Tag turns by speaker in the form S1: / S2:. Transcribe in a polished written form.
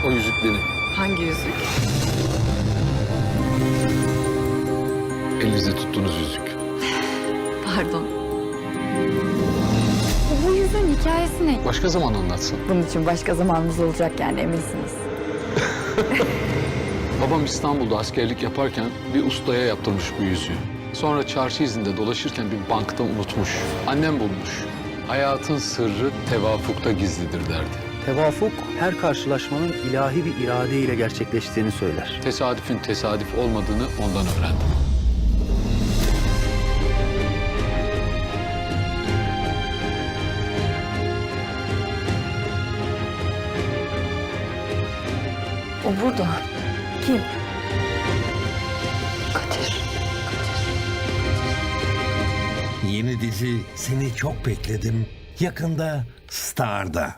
S1: O yüzük benim.
S2: Hangi yüzük?
S1: Elinizde tuttuğunuz yüzük.
S2: Pardon.
S3: Bu yüzün hikayesi ne?
S1: Başka zaman anlatsın.
S3: Bunun için başka zamanımız olacak yani eminsiniz.
S1: Babam İstanbul'da askerlik yaparken bir ustaya yaptırmış bu yüzüğü. Sonra çarşı izinde dolaşırken bir bankta unutmuş. Annem bulmuş. Hayatın sırrı tevafukta gizlidir derdi.
S4: Tevafuk her karşılaşmanın ilahi bir irade ile gerçekleştiğini söyler.
S1: Tesadüfün tesadüf olmadığını ondan öğrendim.
S3: O burada. Kim?
S2: Kadir.
S5: Yeni dizi Seni Çok Bekledim yakında Star'da.